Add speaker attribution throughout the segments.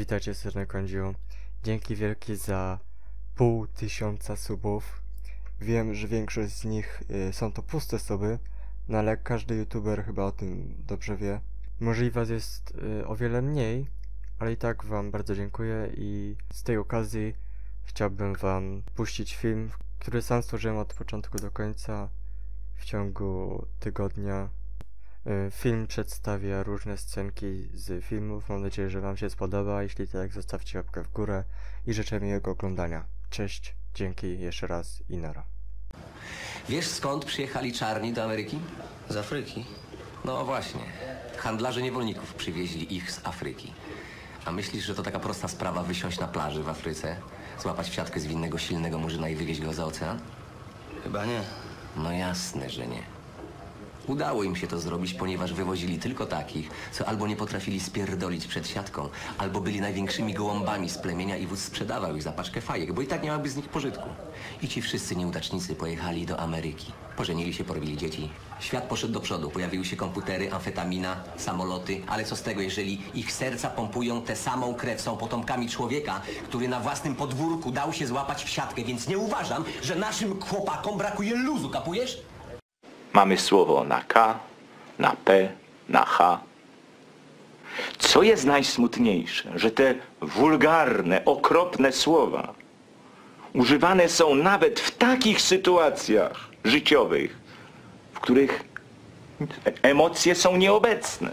Speaker 1: Witajcie serdecznie, Kądziu. Dzięki wielkie za 500 subów. Wiem, że większość z nich są to puste suby, no ale każdy youtuber chyba o tym dobrze wie. Może i was jest o wiele mniej, ale i tak wam bardzo dziękuję i z tej okazji chciałbym wam puścić film, który sam stworzyłem od początku do końca w ciągu tygodnia. Film przedstawia różne scenki z filmów. Mam nadzieję, że wam się spodoba. Jeśli tak, zostawcie łapkę w górę i życzę miłego oglądania. Cześć, dzięki jeszcze raz i nara.
Speaker 2: Wiesz, skąd przyjechali czarni do Ameryki?
Speaker 3: Z Afryki?
Speaker 2: No właśnie. Handlarze niewolników przywieźli ich z Afryki. A myślisz, że to taka prosta sprawa wysiąść na plaży w Afryce, złapać w siatkę zwinnego, silnego murzyna i wywieźć go za ocean?
Speaker 3: Chyba nie.
Speaker 2: No jasne, że nie. Udało im się to zrobić, ponieważ wywozili tylko takich, co albo nie potrafili spierdolić przed siatką, albo byli największymi gołąbami z plemienia i wódz sprzedawał ich za paczkę fajek, bo i tak nie miałaby z nich pożytku. I ci wszyscy nieudacznicy pojechali do Ameryki. Pożenili się, porobili dzieci. Świat poszedł do przodu. Pojawiły się komputery, amfetamina, samoloty. Ale co z tego, jeżeli ich serca pompują tę samą krew, są potomkami człowieka, który na własnym podwórku dał się złapać w siatkę, więc nie uważam, że naszym chłopakom brakuje luzu, kapujesz?
Speaker 4: Mamy słowo na K, na P, na H. Co jest najsmutniejsze, że te wulgarne, okropne słowa używane są nawet w takich sytuacjach życiowych, w których emocje są nieobecne.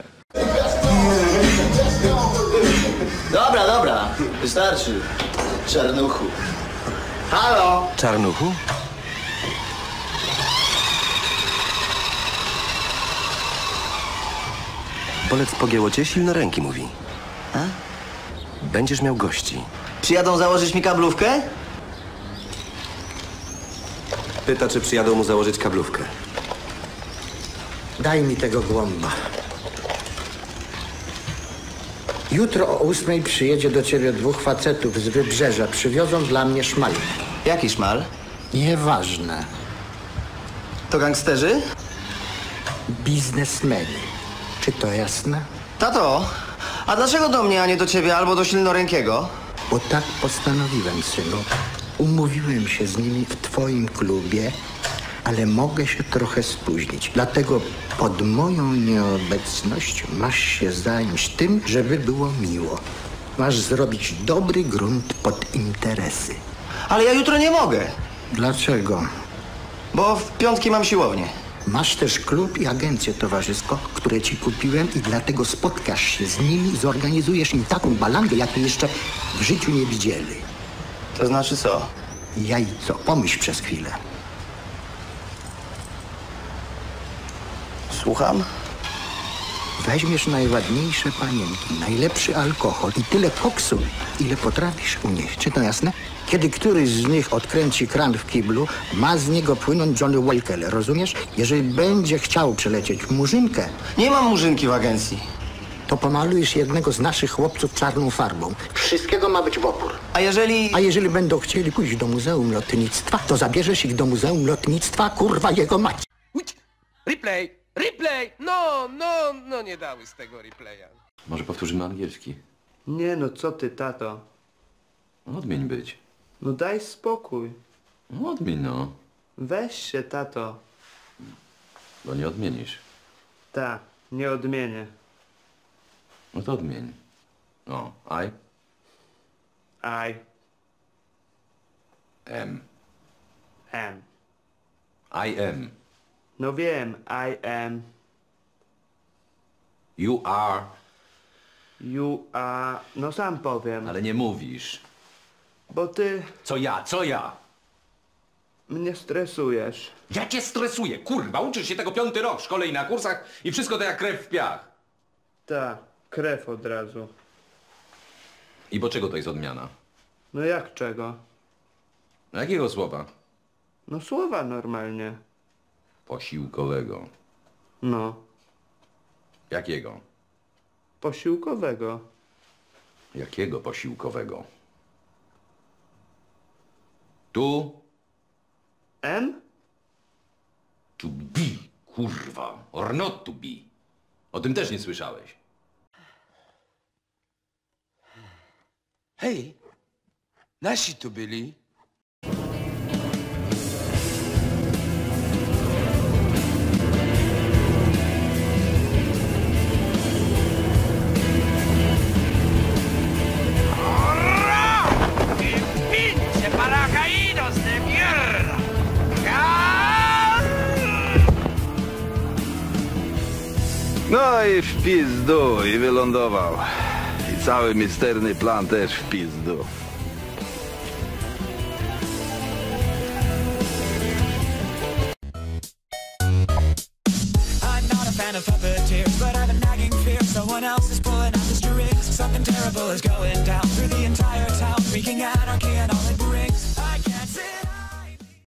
Speaker 3: Dobra, wystarczy. Czarnuchu. Halo!
Speaker 2: Czarnuchu? Bolec pogięło cię, silno ręki mówi.
Speaker 3: A?
Speaker 2: Będziesz miał gości.
Speaker 3: Przyjadą założyć mi kablówkę?
Speaker 2: Pyta, czy przyjadą mu założyć kablówkę.
Speaker 5: Daj mi tego głąba. Jutro o 8 przyjedzie do ciebie 2 facetów z Wybrzeża. Przywiozą dla mnie szmal.
Speaker 3: Jaki szmal?
Speaker 5: Nieważne.
Speaker 3: To gangsterzy?
Speaker 5: Biznesmeni. Czy to jasne?
Speaker 3: Tato, a dlaczego do mnie, a nie do ciebie albo do silnorękiego?
Speaker 5: Bo tak postanowiłem, synu. Umówiłem się z nimi w twoim klubie, ale mogę się trochę spóźnić. Dlatego pod moją nieobecność masz się zająć tym, żeby było miło. Masz zrobić dobry grunt pod interesy.
Speaker 3: Ale ja jutro nie mogę,
Speaker 5: Dlaczego?
Speaker 3: bo w piątki mam siłownię.
Speaker 5: Masz też klub i agencję towarzysko, które ci kupiłem i dlatego spotkasz się z nimi i zorganizujesz im taką balangę, jakiej jeszcze w życiu nie widzieli.
Speaker 3: To znaczy co?
Speaker 5: Jajco, pomyśl przez chwilę.
Speaker 3: Słucham?
Speaker 5: Weźmiesz najładniejsze panienki, najlepszy alkohol i tyle koksu, ile potrafisz unieść. Czy to jasne? Kiedy któryś z nich odkręci kran w kiblu, ma z niego płynąć Johnny Walker, rozumiesz? Jeżeli będzie chciał przelecieć murzynkę,
Speaker 3: Nie mam murzynki w agencji.
Speaker 5: to pomalujesz jednego z naszych chłopców czarną farbą. Wszystkiego ma być w opór.
Speaker 3: A jeżeli...
Speaker 5: A jeżeli będą chcieli pójść do Muzeum Lotnictwa, to zabierzesz ich do Muzeum Lotnictwa, kurwa jego mać.
Speaker 6: Replay! Replay! No, nie dały z tego replaya.
Speaker 7: Może powtórzymy angielski.
Speaker 8: Nie no, co ty, tato?
Speaker 7: Odmień być.
Speaker 8: No daj spokój.
Speaker 7: Odmień no,
Speaker 8: Weź się, tato.
Speaker 7: bo nie odmienisz.
Speaker 8: Ta, nie odmienię.
Speaker 7: No to odmień. O, I
Speaker 8: I
Speaker 7: am.
Speaker 8: am.
Speaker 7: I am.
Speaker 8: No wiem, I am.
Speaker 7: You are.
Speaker 8: You are... No sam powiem.
Speaker 7: Ale nie mówisz.
Speaker 8: Bo ty
Speaker 7: Co ja? Co ja?
Speaker 8: mnie stresujesz.
Speaker 6: Ja cię stresuję, kurwa, uczysz się tego 5. rok w szkole i na kursach i wszystko to jak krew w piach.
Speaker 8: Ta, krew od razu.
Speaker 7: I bo czego to jest odmiana?
Speaker 8: No jak czego?
Speaker 7: Jakiego słowa?
Speaker 8: No słowa normalnie.
Speaker 7: Posiłkowego.
Speaker 8: No,
Speaker 7: Jakiego?
Speaker 8: posiłkowego.
Speaker 7: Jakiego posiłkowego? Tu
Speaker 8: M?
Speaker 7: to be, kurwa, or not to be. O tym też nie słyszałeś.
Speaker 6: Hej, nasi tu byli.
Speaker 9: No i w pizdu, i wylądował. I cały misterny plan też w pizdu.
Speaker 10: I'm not a fan of puppeteers, but I have a nagging fear someone else is pulling out the strings. Something terrible is going down through the entire